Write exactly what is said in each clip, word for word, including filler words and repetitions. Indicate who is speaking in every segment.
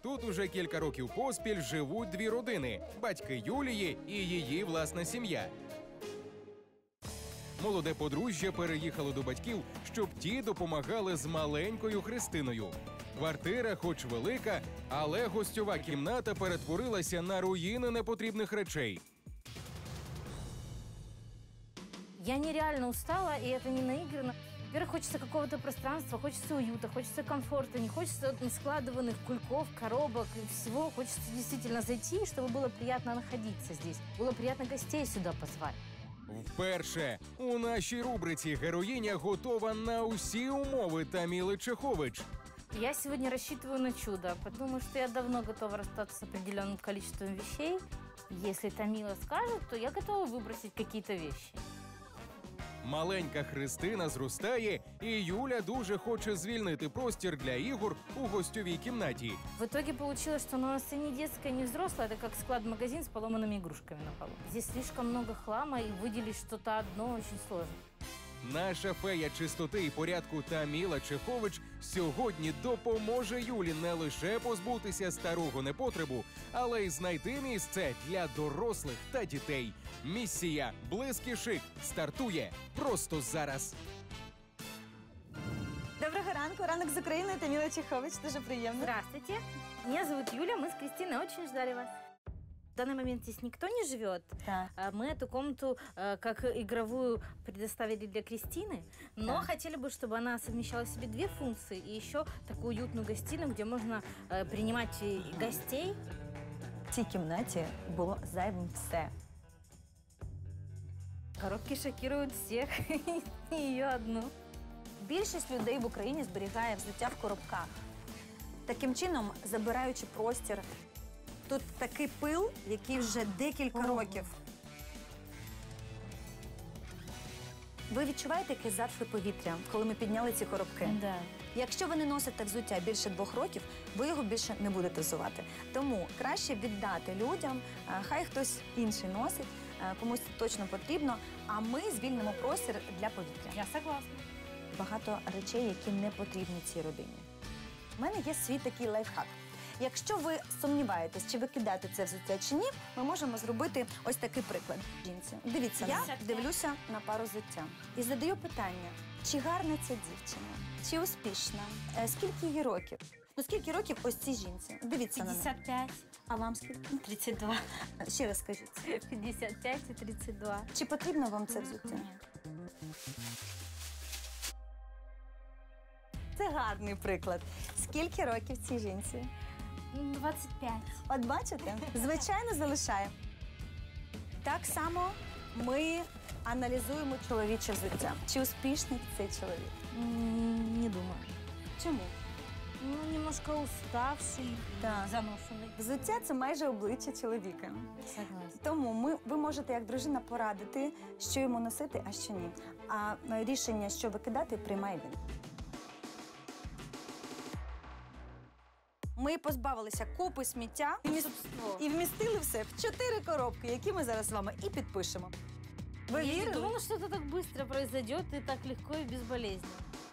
Speaker 1: Тут уже кілька років поспіль живуть дві родини – батьки Юлії і її власна сім'я. Молоде подружжя переїхало до батьків, щоб ті допомагали з маленькою Христиною. Квартира хоч велика, але гостьова кімната перетворилася на руїни непотрібних речей.
Speaker 2: Я нереально устала, и это не наигранно. Во-первых, хочется какого-то пространства, хочется уюта, хочется комфорта, не хочется складыванных кульков, коробок и всего. Хочется действительно зайти, чтобы было приятно находиться здесь. Было приятно гостей сюда позвать.
Speaker 1: Вперше у нашій рубриці героїня готова на усі умови Таміли Чехович.
Speaker 2: Я сегодня рассчитываю на чудо, потому что я давно готова расстаться с определенным количеством вещей. Если Тамила скажет, то я готова выбросить какие-то вещи.
Speaker 1: Маленька Христина зростає, і Юля дуже хоче звільнити простір для ігор у гостьовій кімнаті.
Speaker 2: В итоге получилось, что она у нас и не детская, и не взрослая. Это как склад-магазин с поломанными игрушками на полу. Здесь слишком много хлама, и выделить что-то одно очень сложно.
Speaker 1: Наша фея чистоти і порядку Таміла Чехович сьогодні допоможе Юлі не лише позбутися старого непотребу, але й знайти місце для дорослих та дітей. Місія «Блиск і шик» стартує просто зараз.
Speaker 3: Доброго ранку, ранок з України, Таміла Чехович, дуже приємно.
Speaker 2: Здравствуйте, меня зовут Юля, мы с Кристиной очень ждали вас. В данный момент здесь никто не живет.
Speaker 3: Да.
Speaker 2: Мы эту комнату как игровую предоставили для Кристины, но
Speaker 3: Да.
Speaker 2: хотели бы, чтобы она совмещала в себе две функции и еще такую уютную гостиную, где можно принимать гостей.
Speaker 3: В цій кімнаті було зайвим все.
Speaker 2: Коробки шокируют всех, и ее одну.
Speaker 3: Більшість людей в Україні зберігає взуття в коробках. Таким чином, забираючи простір, тут такий пил, який вже декілька
Speaker 2: Ого.
Speaker 3: років. Ви відчуваєте якесь затхле повітря, коли ми підняли ці коробки?
Speaker 2: Да.
Speaker 3: Якщо ви не носите взуття більше двох років, ви його більше не будете взувати. Тому краще віддати людям, а, хай хтось інший носить, а, комусь це точно потрібно, а ми звільнимо простір для повітря.
Speaker 2: Я согласна.
Speaker 3: Багато речей, які не потрібні цій родині. У мене є свій такий лайфхак. Якщо ви сумніваєтесь, чи викидати це взуття чи ні, ми можемо зробити ось такий приклад. Жінці, дивіться, я дивлюся на пару взуття і задаю питання, чи гарна ця дівчина, чи успішна, е, скільки їй років? Ну, скільки років ось цій жінці? Дивіться на неї.
Speaker 2: пятьдесят пять.
Speaker 3: А вам скільки?
Speaker 2: тридцать два.
Speaker 3: Ще раз скажіть.
Speaker 2: пятьдесят пять и тридцать два.
Speaker 3: Чи потрібно вам це взуття?
Speaker 2: Нет.
Speaker 3: Це гарний приклад. Скільки років цій жінці?
Speaker 2: двадцать пять.
Speaker 3: От бачите, звичайно залишає. Так само ми аналізуємо чоловіче взуття. Чи успішний цей чоловік?
Speaker 2: М, Не думаю.
Speaker 3: Чому?
Speaker 2: Ну, немножко уставший,
Speaker 3: Да.
Speaker 2: заношенный.
Speaker 3: Взуття – це майже обличчя чоловіка.
Speaker 2: Согласна.
Speaker 3: Тому ми, ви можете як дружина порадити, що йому носити, а що ні. А рішення, що викидати, приймає він. Ми позбавилися купи сміття і, вміст... і вмістили все в чотири коробки, які ми зараз з вами і підпишемо. Ви
Speaker 2: Я не
Speaker 3: вірили?
Speaker 2: думала, что это так быстро произойдет и так легко и безболезненно.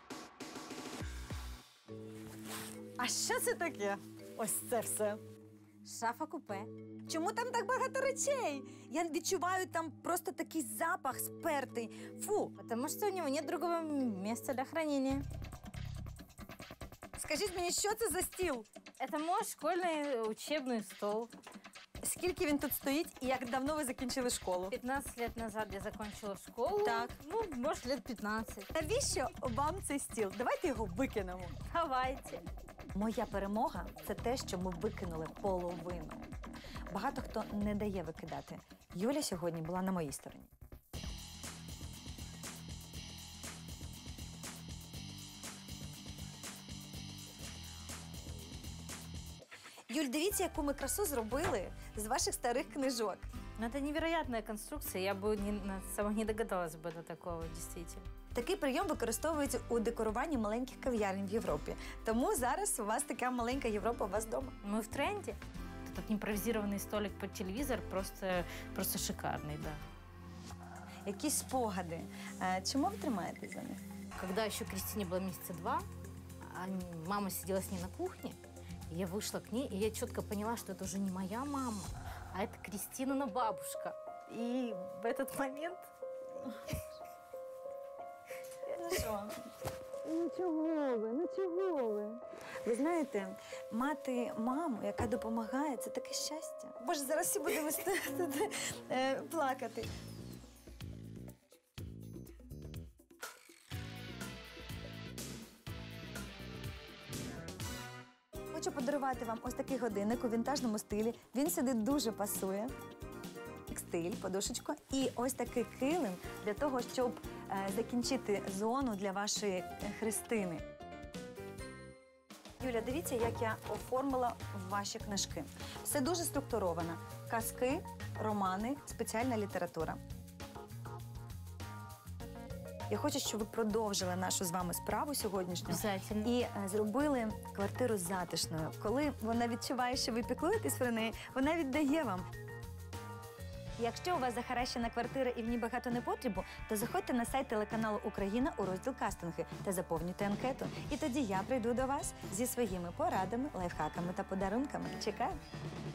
Speaker 3: А що це таке? Ось це все.
Speaker 2: Шафа-купе.
Speaker 3: Чому там так багато речей? Я відчуваю там просто такий запах спертий. Фу.
Speaker 2: Потому что у него нет другого места для хранения.
Speaker 3: Скажіть мені, що це за стіл?
Speaker 2: Это мой школьный учебный стол.
Speaker 3: Скільки він тут стоїть і як давно ви закінчили школу?
Speaker 2: пятнадцать лет назад я закончила школу.
Speaker 3: Так.
Speaker 2: Ну, может, лет пятнадцать.
Speaker 3: Навіщо вам цей стіл? Давайте його викинемо.
Speaker 2: Давайте.
Speaker 3: Моя перемога – це те, що ми викинули половину. Багато хто не дає викидати. Юля сьогодні була на моїй стороні. Юль, дивіться, яку ми красу зробили з ваших старих книжок.
Speaker 2: Ну, это невероятная конструкция. Я бы не, сама не догадалась бы до такого, действительно.
Speaker 3: Такий прийом використовується у декоруванні маленьких кав'ярень в Європі. Тому зараз у вас така маленька Європа у вас вдома.
Speaker 2: Мы в тренде. Этот импровизированный столик под телевизор просто, просто шикарный, да.
Speaker 3: Якісь спогади. Е, Чому ви тримаєтесь за них?
Speaker 2: Когда еще Кристине было месяца два, а мама сидела с ней на кухне, Я вышла к ней, и я четко поняла, что это уже не моя мама, а это Кристинина бабушка. И в этот момент...
Speaker 3: Ну що? Ну чого ви? Ну чого ви? Ви знаєте, мати маму, яка допомагає, це таке щастя. Боже, зараз всі будемо тут е, плакати. Хочу подарувати вам ось такий годинник у вінтажному стилі. Він сюди дуже пасує. Текстиль, подушечку і ось такий килим для того, щоб е, закінчити зону для вашої е, Христини. Юля, дивіться, як я оформила ваші книжки. Все дуже структуровано. Казки, романи, спеціальна література. Я хочу, щоб ви продовжили нашу з вами справу сьогоднішню.
Speaker 2: Обязательно.
Speaker 3: І е, зробили квартиру затишною. Коли вона відчуває, що ви піклуєтесь про неї, вона віддає вам. Якщо у вас захаращена квартира і в ній багато непотребу, то заходьте на сайт телеканалу «Україна» у розділ «Кастинги» та заповнюйте анкету. І тоді я прийду до вас зі своїми порадами, лайфхаками та подарунками. Чекаю!